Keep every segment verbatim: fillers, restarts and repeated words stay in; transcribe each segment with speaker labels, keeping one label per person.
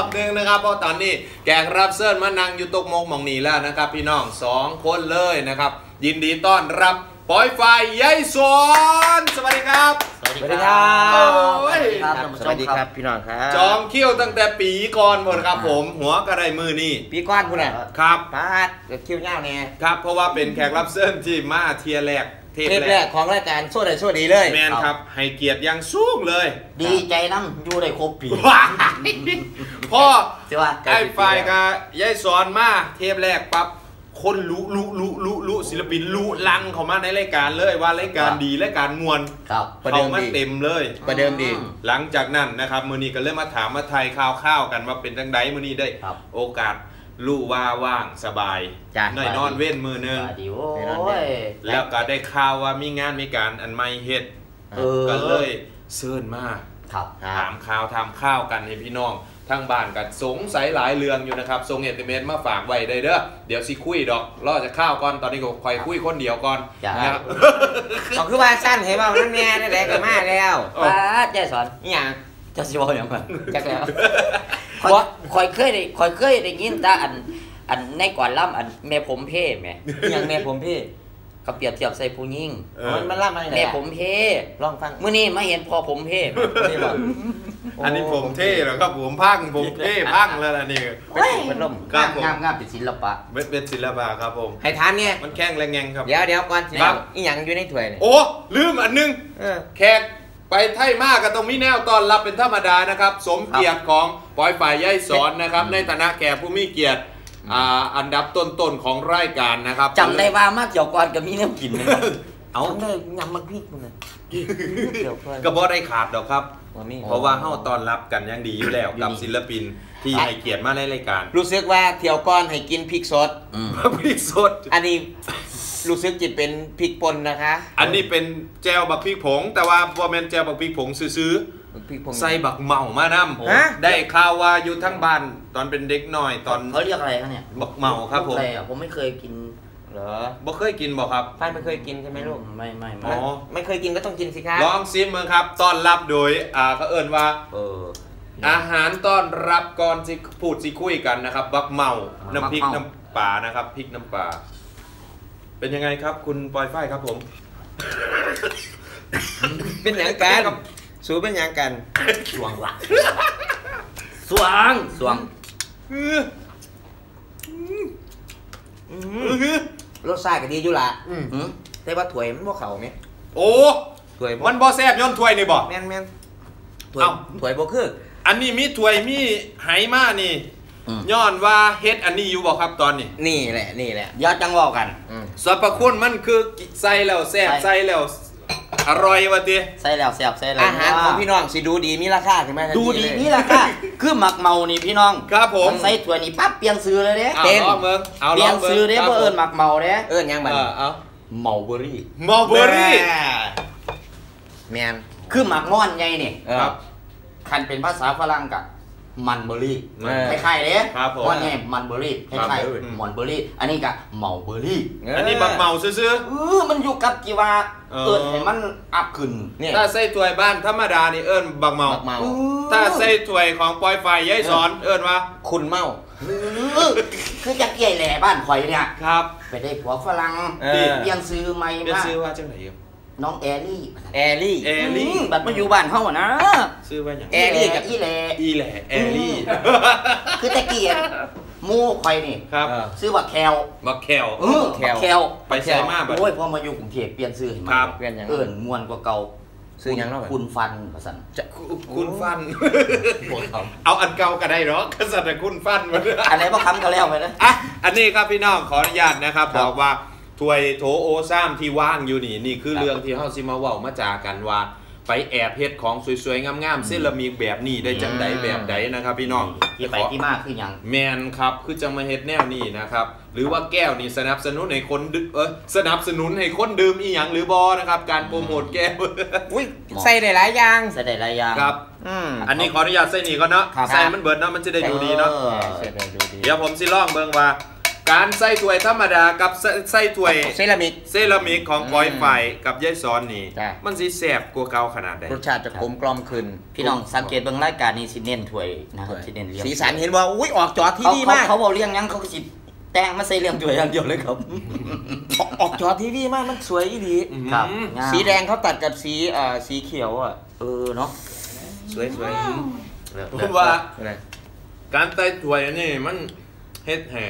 Speaker 1: อบหนึ่งนะครับเพราะตอนนี้แขกรับเชิญมานั่งอยู่ตกมกมองนีแล้วนะครับพี่น้องสองคนเลยนะครับยินดีต้อนรับปอยไฟยายสอนสวัสดีครับ
Speaker 2: สวัสดีครับ
Speaker 1: สวัสดี
Speaker 2: ครับสวัสดีครับพี่น้องครับ
Speaker 1: จอมเขี้ยวตั้งแต่ปีก่อนหมดครับผมหัวกระไรมือนี่
Speaker 2: ปีก้อนคุณน่ะ
Speaker 1: ครับ
Speaker 2: ปาดเขี้ยวเงาเนี่ย
Speaker 1: ครับเพราะว่าเป็นแขกรับเชิญที่มาเทียแรก
Speaker 2: เทปแรกของรายการโซ่ได้โซ่ดีเลย
Speaker 1: แมนครับให้เกียรติยังสูงเลย
Speaker 3: ดีใจน้ำอยู่ได้ครบปี
Speaker 1: พ่อไอ้ไฟกับยายสอนมาเทปแรกปั๊บคนรู้รู้รู้รู้รู้ศิลปินรู้ลังเขามาในรายการเลยว่ารายการดีรายการมวลเขามาเต็มเลย
Speaker 2: ประเดิมดี
Speaker 1: หลังจากนั้นนะครับมือนี้ก็เริ่มมาถามมาไทยข่าวๆกันว่าเป็นจังไดมือนี้ได้โอกาสรู้ว่าว่างสบายหน่อยนอนเว้นมือนึงแล้วก็ได้ข่าวว่ามีงานมีการอันไม่เฮ็ดก็เลยเชิญมาถามข่าวทำข้าวกันให้พี่น้องทั้งบ้านกันสงสัยหลายเรื่องอยู่นะครับส่งเอสเอ็มเอสมาฝากไว้ได้เด้อเดี๋ยวสิคุยดอกรอจะข้าวก่อนตอนนี้ก็คอยคุยคนเดียวก่อนนะครับ
Speaker 2: เอาคือว่าสั้นเห็นว่านั่นแม่ได้ก็มาแล้ว
Speaker 3: ป้าเจ๊สอน
Speaker 2: นี่ยัง
Speaker 3: จะสิบอกอย่างไรจักแล้วคอยเคยได้คอยเคยได้ยินแต่อันอันในก่อนล่ำอันแม่ผมเพ่แม่
Speaker 2: ยังแม่ผมเพ่
Speaker 3: เขาเปรียบเทียบใส่ผู้หญิง
Speaker 2: มันมันล่ำอะไร
Speaker 3: แม่ผมเพ่
Speaker 2: ลองฟัง
Speaker 3: เมื่อนี้มาเห็นพอผมเพ่
Speaker 1: นี่บอกอันนี้ผมเท่เหรอครับผมพังผมเท่พังแล้วล่ะนี่
Speaker 3: เป็นลมงามงามงามเป็นศิลปะ
Speaker 1: เป็นศิลปะครับผม
Speaker 2: ให้ทานเนี่ย
Speaker 1: มันแข้งแรงแงงครับ
Speaker 2: เดี๋ยวเดี๋ยวก่อนสิอีหยังอยู่ในถ้วย
Speaker 1: โอ้ลืมอันนึงแขกไปไทยมากก็ต้องมีแนวตอนรับเป็นธรรมดานะครับสมเกียรติของปอยฝ่ายย่ายสอนนะครับในฐานะแขกผู้มีเกียรติอันดับต้นๆของรายการนะครับ
Speaker 3: จำได้ว่ามากเกี่ยวก่อนกับมีน้ำกินนะครับ
Speaker 2: เอาได้ยำมันพริกมัน
Speaker 1: ก็บ่ได้ขาดดอกครับเพราะว่าเฮาตอนรับกันยังดีอยู่แล้วกับศิลปินที่ให้เกียรติมาในรายการ
Speaker 2: รู้สึกว่าเที่ยวก้อนให้กินพริกสด
Speaker 1: พริกสด
Speaker 2: อันนี้รู้สึกจิตเป็นพริกป่นนะคะ
Speaker 1: อันนี้เป็นแจวบักพริกผงแต่ว่าบ่แม่นแจวบักพริกผงซื้อใส่บักเมามานำได้ข่าวว่าอยู่ทั้งบ้านตอนเป็นเด็กน้อยตอน
Speaker 3: เขาเรียกอะไรครับเนี่ย
Speaker 1: บักเมาครับผม
Speaker 3: ผมไม่เคยกิน
Speaker 1: เหรอบ่เคยกินบ่ครับ
Speaker 2: ฝ้ายไม่เคยกินใช่ไหมลูก
Speaker 3: ไม่ไม่
Speaker 2: อ๋อไม่เคยกินก็ต้องกินสิครับ
Speaker 1: ลองซิมมึงครับต้อนรับโดยอ่าเขาเอิ้นว่าเอออาหารต้อนรับก่อนสิพูดสิคุยกันนะครับบักเมาน้ำพริกน้ำปลานะครับพริกน้ำปลาเป็นยังไงครับคุณปอยฝ้ายครับผม
Speaker 2: เป็นอย่างกันสู้เป็นอย่างกัน
Speaker 3: สวงว่ะสวงสวง
Speaker 2: รสชาติก็ดีอยู่ละแต่ว่าถ้วยมันบ่เข่าไหม
Speaker 1: โอ้ถ้วยมันบ่แซ่บย้อนถ้วยนี่บ่
Speaker 2: แม่นแม่นถ้วยถ้วยบ่คือ
Speaker 1: อันนี้มีถ้วยมีไหมานี่ย้อนว่าเฮ็ดอันนี้อยู่บ่ครับตอนนี้
Speaker 2: นี่แหละนี่แหละ
Speaker 3: ยอดจังว่ากัน
Speaker 1: สรรพคุณมันคือใส่แล้วแซ่บใส่แล้วอร่อยวะติ
Speaker 3: ใส่แล้วแซ่บใส่แล้ว
Speaker 2: อาหารของพี่น้องสิดูดีมีราคาใช่ไหม
Speaker 3: ดูดีมีราคาคือหมักเมานี่พี่น้อง
Speaker 1: ครับผม
Speaker 3: ใส่ถ้วยนี่ปั๊บเปลี่ยนซื้อเลยเด้
Speaker 1: เต็มเบิ่ง
Speaker 3: เอาเปลี่ยนซื้อเด้บ่เอิ้นหมักเมาเด้
Speaker 2: เอิ้นยังบัด
Speaker 3: เอาเมาเบอรี่
Speaker 1: เมาเบอรี่
Speaker 2: แมน
Speaker 3: คือหมักงอนใหญ่นี่ครับคันเป็นภาษาฝรั่งกะมันเบอร์รี่คล้ายๆเลยว่าไงมันเบอร์รี่คล้ายๆมอนเบอร์รี่อันนี้กะเมาเบอร์รี่
Speaker 1: อันนี้บักเมาซื่อ
Speaker 3: ๆเออมันอยู่กับกี่ว่าเอิญให้มันอัพขึ้น
Speaker 1: ถ้าใส่ถ้วยบ้านธรรมดานี่เอิญบักเมาถ้าใส่ถ้วยของปอยไฟย้ายสอนเอิญว่า
Speaker 2: คุณเมา
Speaker 3: คือจะเกี่ยแหล่บ้านข่อยเนี่ย
Speaker 1: ครับ
Speaker 3: ไปได้ผัวฝรั่งเปลี่ยนซื้อใหม่มา
Speaker 1: เปลี่ยนซื้อว่าจังไหน
Speaker 3: น้องแอลลี่
Speaker 2: แอลลี่
Speaker 1: แอลลี่
Speaker 3: บัดมาอยู่บ้านเขาอะนะ
Speaker 1: ซื้อว่าอย่าง
Speaker 3: แอลลี่กับอีแหล่
Speaker 1: อีแหล่แอลลี่
Speaker 3: คือตะเกียบมูไข่นี่
Speaker 1: ครับ
Speaker 3: ซื้อบักแคล
Speaker 1: บักแคล
Speaker 3: เออบักแคล
Speaker 1: ไปใส่มาแบบ
Speaker 3: โอ้ยพอมาอยู่กรุงเทพเปลี่ยนซื้อให้
Speaker 1: มัน
Speaker 3: เปลี่ยนอย่างเอิญมวนกว่าเก่า
Speaker 2: ซื้อยังเนาะ
Speaker 3: คุณฟันภาษา
Speaker 1: จะคุณฟันเอาอันเก่าก็ได้หรอกภาษาคุณฟันมา
Speaker 3: อันไหนพอคำก็แล้วไปนะ
Speaker 1: อ่ะอันนี้ครับพี่น้องขออนุญาตนะครับบอกว่าถ้วยโถโอซ้ำที่ว่างอยู่นี่นี่คือเรื่องที่เฮาสิมาเว้ามาจากันว่าไปแอบเฮ็ดของสวยๆงามๆเซรามิกแบบนี้ได้จังใดแบบใดนะครับพี่น้อง
Speaker 3: ที่ไปที่มากคือหยัง
Speaker 1: แมนครับคือจังมาเฮ็ดแนวนี้นะครับหรือว่าแก้วนี่สนับสนุนให้คนเออสนับสนุนให้คนดื่มอีหยังหรือบ่นะครับการโปรโมทแก้ว
Speaker 2: อุ้ยใส่ได้หลายอย่าง
Speaker 3: ใส่ได้หลายอย่าง
Speaker 1: ครับอันนี้ขออนุญาตใส่นี่ก่อนเนาะใส่มันเบิดเนาะมันจะได้ดูดีเนาะเดี๋ยวผมสิลองเบิ่งว่าการใส่ถ้วยธรรมดากับใส่ถ้วย
Speaker 2: เซรามิก
Speaker 1: เซรามิกของปอยไฟกับยายสอนนี่มันสิแซ่บกว่าเก่าขนาดใด
Speaker 2: รสชาติจะกลมกล่อมขึ้น
Speaker 3: พี่น้องสังเกตเบิ่งรายการนี้สิเน้นถ้วยนะครับสิเน้นเลี้ยง
Speaker 2: สีสันเห็นว่าอุ้ยออกจอทีวีมาก
Speaker 3: เขาบอกเลี้ยงยังเขาก็สิแต่งมาใส่เลี้ยงถ้วยอย่างเดียวเลยครับ
Speaker 2: ออกจอทีวีมากมันสวยดี
Speaker 3: ครับ
Speaker 2: สีแดงเขาตัดกับสีอ่าสีเขียวอ่ะ
Speaker 3: เออเนาะ
Speaker 2: สวยสวย
Speaker 1: ผมว่าการใส่ถ้วยนี่มันเฮ็ดแห่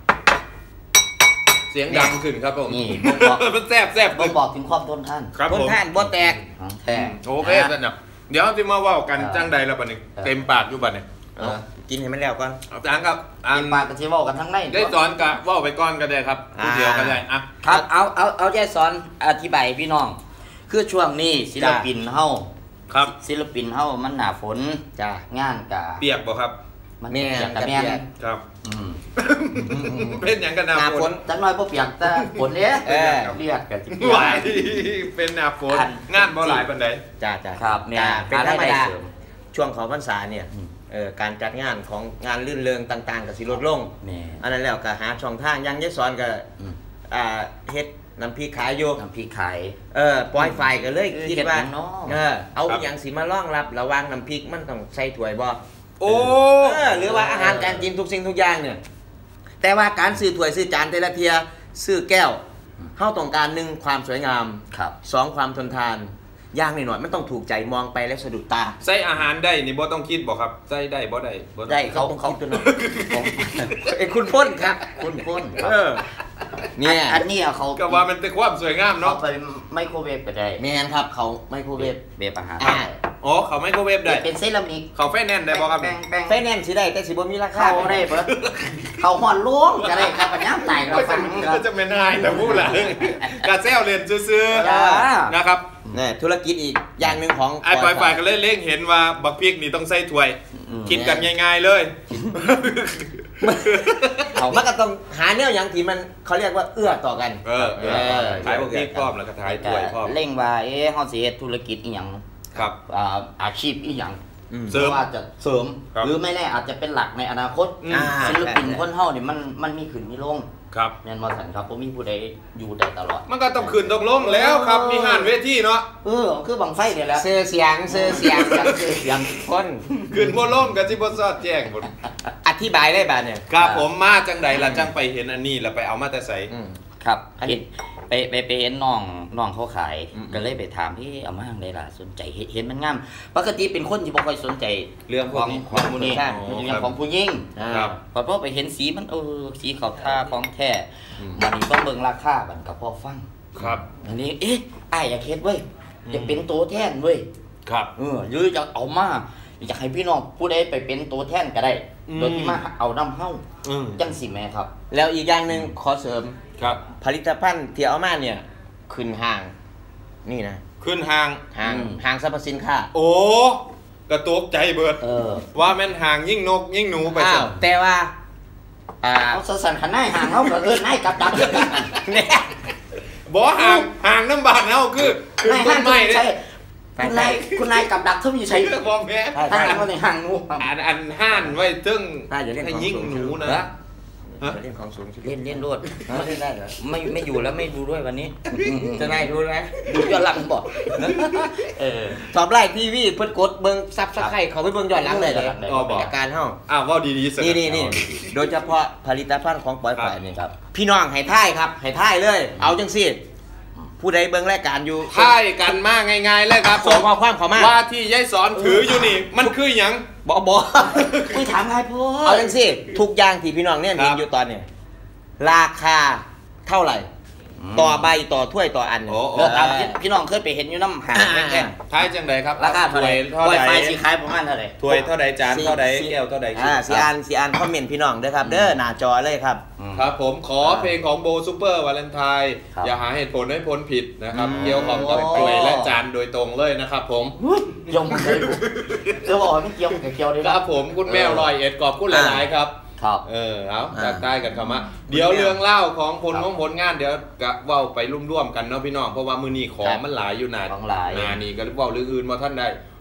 Speaker 1: เสียงดังขึ้นครับผม
Speaker 3: นี่
Speaker 1: มันแซ่บแซ่บ
Speaker 3: ผมบอกถึงความทนทาน
Speaker 2: ทนทานบ่แตก
Speaker 3: แท้
Speaker 1: โอเคสันนะเดี๋ยวที่มาว่ากันจังใดแล้วบัดนี้เต็มปากอยู่บัดนี้
Speaker 2: กินให้มันแล้วก่อน
Speaker 1: อาจารย์ครับ
Speaker 3: เต็มปากกันสิว่ากันทั้งใน
Speaker 1: ได้สอนกะว่าไปก่อนก็ได้ครับเดียวก็ได้อ่ะ
Speaker 3: ครับเอาเอาเอาใจสอนอธิบายพี่น้องคือช่วงนี้ศิลปินเฮา
Speaker 1: ครับ
Speaker 3: ศิลปินเฮามันหนาฝน
Speaker 2: จ้
Speaker 3: งานกะ
Speaker 1: เปียกบ่ครับ
Speaker 3: มันเปียกกะแม่น
Speaker 1: ครับเป็นอย่างกันหนาฝน
Speaker 3: จังน้อยบ่เปียกแต่ฝนเด้เออเรียกกะสิ
Speaker 1: ไหวเป็นหนาฝนงานบ่หลายปานใด
Speaker 2: จ้าๆ
Speaker 3: ครับเนี่ย
Speaker 2: เป็นธรรมดาช่วงของพรรษาเนี่ยเออการจัดงานของงานลื่นเริงต่างๆกับสิลดลงอันนั้นแล้วก็หาช่องทางยังยายสอนก็อ่าเฮ็ดน้ำพริกขายอยู่
Speaker 3: น้ำพริกขาย
Speaker 2: เออปล่อยไฟก็เลยคิดว่าเออเอาอย่างสิมาล่องรับระวังน้ำพริกมันต้องใส่ถ้วยบ่
Speaker 1: โอ้
Speaker 2: หรือว่าอาหารการกินทุกสิ่งทุกอย่างเนี่ยแต่ว่าการซื้อถ้วยซื้อจานแต่ละเทียซื้อแก้วเฮาต้องการหนึ่งความสวยงามสองความทนทานย่างหน่อยๆมันต้องถูกใจมองไปแล้วสะดุดตา
Speaker 1: ใส่อาหารได้นี่บ่ต้องคิดบ่ครับใส่ได้บ่ได้
Speaker 2: บ่ได้เขาเขาตัวนั้นไอ้คุณพ่นครับคุณพ่นเออ
Speaker 3: เนี่ยอันนี้เขา
Speaker 1: ก็ว่ามันเป็นความสวยงามเนาะ
Speaker 3: ไปไมโครเวฟไปได้
Speaker 2: แม่นครับเขาไมโครเวฟ
Speaker 3: เวฟอาหาร
Speaker 1: อ๋อเขาไมโครเวฟได้
Speaker 3: เป็นเซรามิก
Speaker 1: เขาไฟแนนซ์ได้บ่ครับ
Speaker 2: ไฟแนนซ์สิได้แต่สิบ่มีราคา
Speaker 3: เขาได้เบิดเขาฮ้อนล้วงก็ได้ครับปัญญาตายเราฟัง
Speaker 1: ก็จะเป็นนายแต่พูดล่ะกะแซวเล่นซื่อๆนะครับ
Speaker 2: นี่ธุรกิจอีกอย่างหนึ่งของ
Speaker 1: ไอ้ปล่อยฝ่ายก็เลยเล่งเห็นว่าบักพริกนี่ต้องใส่ถ้วยกินกันง่ายๆเลย
Speaker 2: เขามันก็ต้องหาแนวอย่างที่มันเขาเรียกว่าเอื้อต่อกัน
Speaker 1: เออขายบักพริกพร้อมแล้วก็ขายถ้วยพร้อม
Speaker 3: เล่งว่าเอ๊ะเฮาสิเฮ็ดธุรกิจอีหยัง
Speaker 1: ครับ
Speaker 3: อ่าอาชีพอีหยังเสริมว่าจะเสริมหรือไม่แน่อาจจะเป็นหลักในอนาคตศิลปินคนเฮานี่มันมันมีขึ้นมีลง
Speaker 1: ครับ
Speaker 3: แม่นบ่ซั่นครับบ่มีผู้ใดอยู่ได้ตลอด
Speaker 1: มันก็ต้องขึ้นต้องลงแล้วครับมีหานเวทีเนาะ
Speaker 3: เออคือบังไฟนี่แหละ
Speaker 2: เสื้อเสียงเสื้อเสียงเสื้อเสียงคน
Speaker 1: ขึ้นบ่ลงก็สิบ่ซอดแจ้งบ่
Speaker 2: อธิบายได้บัดเนี่ย
Speaker 1: ครับผมมาจังใดล่ะจังไปเห็นอันนี้แล้วไปเอามาแต่ไส
Speaker 3: ครับอันนี้ไปไปไปเห็นน้องน้องเขาขายก็เลยไปถามพี่เอามาทางใดล่ะสนใจเห็นมันงามปกติเป็นคนที่บ่ค่อยสนใจ
Speaker 1: เรื่อง
Speaker 3: ของของผู้นี้เรื่องของผู้หญิง
Speaker 1: ครับ
Speaker 3: พอพอไปเห็นสีมันเออสีขาวท่าของแท้มันนี่ต้องเบิ่งราคาบัดก็พอฟัง
Speaker 1: ครับ
Speaker 3: อันนี้เอ๊ะอ้ายอยากเฮ็ดเว้ยอยากเป็นตัวแทนเว้ย
Speaker 1: ครับ
Speaker 3: เออหรืออยากเอามาอยากให้พี่น้องผู้ใดไปเป็นตัวแทนก็ได้โดยที่มาเอานำเฮาจังสิแม่ครับ
Speaker 2: แล้วอีกอย่างนึงขอเสริม
Speaker 1: ครับ
Speaker 2: ผลิตภัณฑ์ที่เอามาเนี่ยขึ้นห้างนี่นะ
Speaker 1: ขึ้นห้าง
Speaker 2: ห้างห้างสรรพสินค้า
Speaker 1: โอ้กระตกใจเบิด
Speaker 3: เออ
Speaker 1: ว่าแม่นห้างยิ่งนกยิ่งหนูไป
Speaker 2: ซะแต่ว่า
Speaker 3: อ่าเอาสั่นๆคันนายห้างเฮาก็เอิ้นนายกับดัก
Speaker 1: เนี่ยบ่ห้างห้างน้ำบานเฮาคือคือนายห้างไม่เด้
Speaker 3: คุณนายคุณนายกับดักเท่าอยู่ใช้
Speaker 1: บ่แม่
Speaker 3: ห้างว่าในห้างหนู
Speaker 1: อันอันห้านไว้ถึงให้ยิ่งหนูนะ
Speaker 2: เล่นของสูง
Speaker 3: เล่นเล่นรวด
Speaker 2: เล่นได้เหรอ
Speaker 3: ไม่ไม่อยู่แล้วไม่ดูด้วยวันนี้
Speaker 2: จะนายดูไหม
Speaker 3: ดูย้อนหลังบอก
Speaker 2: เออตอบไล่ทีวีเพิ่นกดเบิ่งซับสไครต์เขาไปเบิ่งย้อนหลังเลย
Speaker 1: อ๋อบอก
Speaker 2: อาการเฮา
Speaker 1: อ้าวว่าดีๆ
Speaker 2: นี่นี่นี่โดยเฉพาะผลิตภัณฑ์ของปอยฝ่ายนี่ครับพี่น้องให้ท่ายครับให้ท่ายเลยเอาจังซี่ผู้ใดเบิ่งรายการอยู่
Speaker 1: ท่ายกันมาง่ายๆเลยครับ
Speaker 2: ส่งข้อความเข้ามา
Speaker 1: ว่าที่ยายสอนถืออยู่นี่มันคือหยัง
Speaker 2: บ่บ่
Speaker 3: คุยถามง่ายพ่อ
Speaker 2: เอาจังซี่ทุกอย่างที่พี่น้องเนี่ยเห็นอยู่ตอนนี้ราคาเท่าไหร่ต่อใบต่อถ้วยต่ออัน
Speaker 3: แล้วตามพี่น้องเคยไปเห็นอยู่น้ำหางแค่
Speaker 1: ท้ายจังใดครับ
Speaker 3: ราคาถ้วยเท่าไหร่ไฟสีขายประมาณเท่าไหร่
Speaker 1: ถ้วยเท่าใดจานเท่าใดแก้วเท่าใด
Speaker 2: อ่าสีอันสีอันคอมเมนต์พี่น้องด้วยครับเด้อหน้าจอเลยครับ
Speaker 1: ครับผมขอเพลงของโบซูเปอร์วาเลนไทน์อย่าหาเหตุผลให้พ้นผิดนะครับเกี่ยวกับถ้วยและจานโดยตรงเลยนะครับผม
Speaker 3: ยงเลยจะบอกไม่เกี่ยวกับเกี่ยวเลย
Speaker 1: ครับผมคุณแมวลอยเอ็ดกอบพูดหลายๆครับ
Speaker 3: ครับ
Speaker 1: เออเอาจากใต้กันเข้ามาเดี๋ยวเรื่องเล่าของผลของผลงานเดี๋ยวก็เว้าไปร่วมๆกันเนาะพี่น้องเพราะว่ามื้อนี้ของมันหลายอยู่หนา
Speaker 3: ของหลาย
Speaker 1: งานนี้ก็เว้าเรื่องอื่นบ่ทันได้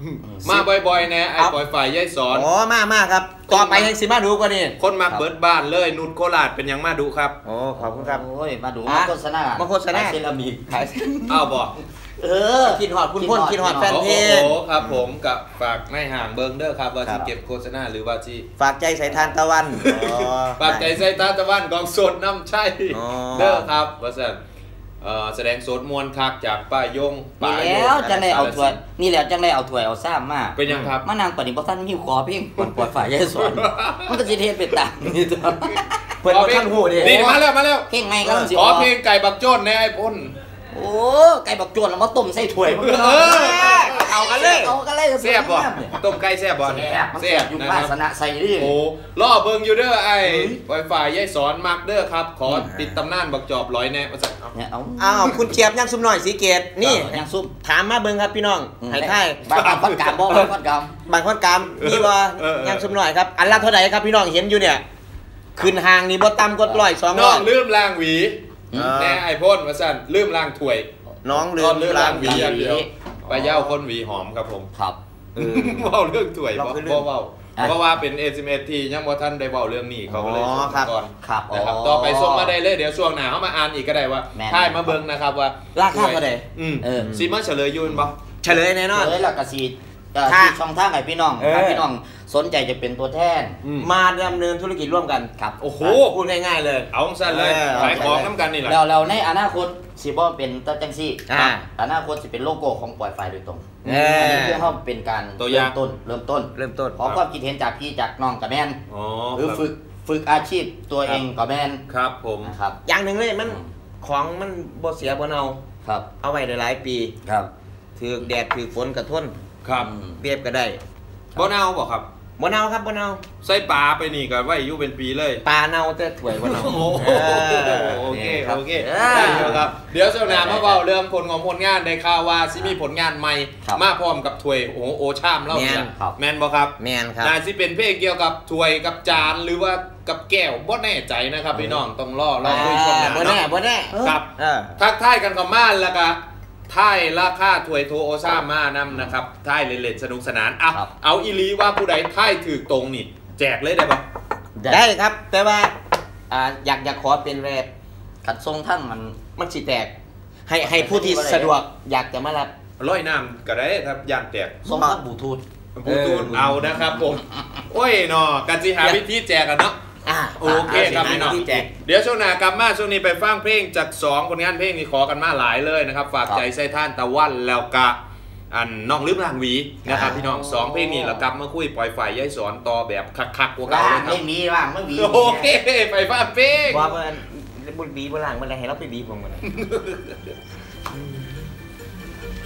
Speaker 1: มาบ่อยๆนะไอ้ปล่อยฝ่ายยายสอน
Speaker 2: อ๋อมามาครับต่อไปยังสิมาดูกว่านี่
Speaker 1: คนมาเบิดบ้านเลยนุชโคราชเป็นยังมาดูครับ
Speaker 2: โอ้ขอบคุณครับ
Speaker 3: โอ้ยมาดูมาโฆษณา
Speaker 2: มาโฆษณา
Speaker 3: เซรามิก
Speaker 2: ขาย
Speaker 1: อ้าวบอก
Speaker 2: เออกินหอดคุณพ่นกินหอดแฟนเพลง
Speaker 1: โอ้ครับผมกับฝากในห่างเบิงเด้อครับว่าที่เก็บโฆษณาหรือว่าที่
Speaker 2: ฝากใจใส่ทานตะวัน
Speaker 1: ฝากใจใส่ทานตะวันกองสดน้ำใช่เด้อครับว่าสันแสดงสดมวลคักจากป้ายง
Speaker 3: นี่แล้วจังได้เอาถ้วยนี่แล้วจังได้เอาถ้วยเอาซ้ำมา
Speaker 1: เป็นยังครับ
Speaker 3: มานางปฏิบัติท่านมีขอเพียงปวดฝ่ายยายสอนมันก็สิเทศเป็นต่างนี่ตัว
Speaker 2: เปิดท่านหูดิ
Speaker 1: นี่มาแล้วมาแล้ว
Speaker 3: เพลงไงก็
Speaker 1: ขอเพลงไก่บักโจ้นในไอ้พ่น
Speaker 3: โอ้ไก่บักโจ้นแล้วมาต้มใส่ถ้วยมันก็
Speaker 2: เอากันเลย
Speaker 3: เอากันเลย
Speaker 1: แซ่บบ่ต้มไก่แซ่บบ่
Speaker 3: แซ่บอยู่ภาชนะใส่ดิ
Speaker 1: โอ้ล่อเบิ่งอยู่เด้อไอ้ปล่อยฝ่ายยายสอนมักเด้อครับขอติดตำนานบักจอบร้อยแน่ว่าซั่น
Speaker 2: เนี่ยเอาอ้าวคุณเจี๊ยบยังซุ่มหน่อยสีเกตนี่
Speaker 3: ยังซุ่ม
Speaker 2: ถามมาเบิ่งครับพี่น้องให้ทาย
Speaker 3: บางคนกามบ่บางคนกาม
Speaker 2: บางคนกามนี่บ่ยังซุ่มหน่อยครับอันละเท่าไหร่ครับพี่น้องเห็นอยู่เนี่ยขึ้นห่างนี่บ่ต่ำกว่าร้อยสองร้อย
Speaker 1: น้องลืมล้างหวีแน่ไอ้พ่นว่าซั่นลืมล้างถ้วย
Speaker 2: น้องลืม
Speaker 1: ล้างหวีอย่างเดียวไปเย้าคนหวีหอมครับผม
Speaker 3: ครับ
Speaker 1: เออเว้าเรื่องถ้วยบ่เว้าเพราะว่าเป็น เอส เอ็ม เอส ที่ยังบ่ทันได้เว้าเรื่องนี้เขาก็เลยส่งก่อน
Speaker 3: ครับ
Speaker 1: นะครับต่อไปส่งมาได้เลยเดี๋ยวช่วงหน้าเฮามาอ่านอีกก็ได้ว่าท้ายมาเบิ่งนะครับว่า
Speaker 2: ราคาเท่าใด
Speaker 1: อืมสิมาเฉลยอยู่บ่
Speaker 2: เฉลยแน่นอน
Speaker 3: เฉลยแล้วก็สิที่ช่องทางให้พี่น้องถ้าพี่น้องสนใจจะเป็นตัวแทน
Speaker 2: มาดำเนินธุรกิจร่วมกัน
Speaker 1: ครับโอ้โห
Speaker 2: พูดง่ายๆเลย
Speaker 1: เอาสั้นเลยขายของน้ำกันนี่แหละ
Speaker 3: แล้วเราในอนาคตสิบ่เป็นตัจังซี่อนาคตสิเป็นโลโก้ของปล่อยไฟโดยตรงอันนี้เพื่อเฮาเป็นการเริ่มต้นเริ่มต้น
Speaker 2: เริ่มต้น
Speaker 3: ขอความคิดเห็นจากพี่จากน้องกับแม่นหรือฝึกฝึกอาชีพตัวเองกับแม่น
Speaker 1: ครับผม
Speaker 3: ครับ
Speaker 2: อย่างหนึ่งเลยมันของมันบ่เสียบ่เน่า
Speaker 3: ครับ
Speaker 2: เอาไว้ได้หลายปี
Speaker 3: ครับ
Speaker 2: ถือแดดถือฝนกระทน
Speaker 1: ครับ
Speaker 2: เปรียบก็ได้
Speaker 1: บ่เน่าบ่ครับ
Speaker 2: บ่เน่าครับบ่เน่า
Speaker 1: ใส่ปลาไปนี่ก็ไว้อยู่เป็นปีเลย
Speaker 2: ปลาเน่าแต่ถ้วยบ่เน่า
Speaker 1: โอเคโอเคได้ครับเดี๋ยวช่วงหน้ามาเว้าเรื่องผลของผลงานได้ข่าวว่าสิมีผลงานใหม่มาพร้อมกับถ้วยโอ้โอชามเล่าเนี่ยแม่นบ่ครับ
Speaker 2: แม่นครับ
Speaker 1: น่าสิเป็นเพลงเกี่ยวกับถ้วยกับจานหรือว่ากับแก้วบ่แน่ใจนะครับพี่น้องต้องรอรอดูช่วงหน้า
Speaker 2: บ่แน่บ่แน่
Speaker 1: ครับทักทายกันเข้ามาแล้วก็ท้ายราคาถ้วยโทโอซ่ามานำนะครับท้ายเล่นๆสนุกสนานอ่ะเอาอีลีว่าผู้ใดท้ายถือตรงนี่แจกเลยได้ปะ
Speaker 2: ได้ครับแต่ว่าอ่าอยากอยากขอเป็นแรป
Speaker 3: ขัดทรงทั้งมัน
Speaker 2: มันสิแตกให้ให้ผู้ที่สะดวกอยากจะมารับ
Speaker 1: ร้อยน้ำก็ได้ครับย่านแตก
Speaker 3: ทรงทั้งบลูทูธ
Speaker 1: บลูทูธเอานะครับผมโอ้ยเนาะกันสิหาวิธีแจกกันเนาะโอเคครับพี่น้องเดี๋ยวช่วงหน้ากลับมาช่วงนี้ไปฟังเพลงจากสองผลงานเพลงนี้ขอกันมาหลายเลยนะครับฝากใจใส่ท่านตะวันแล้วก็อันน้องลืมลางหวีนะครับพี่น้องสองเพลงนี้เรากลับมาคุยปล่อยฝ่ายย้ายสอนต่อแบบคักๆกว่าเก่าเลยครับ
Speaker 3: ไม่มีว่างไม่มี
Speaker 1: โอเคไปฟังเพลง
Speaker 2: ว่ามันบุญบีบุญหลังมันอะไรให้เราไปบีผมมัน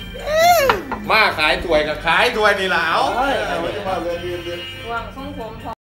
Speaker 1: มาขายถ้วยกับขายถ้วยนี่แล้ว
Speaker 4: วางทรงผม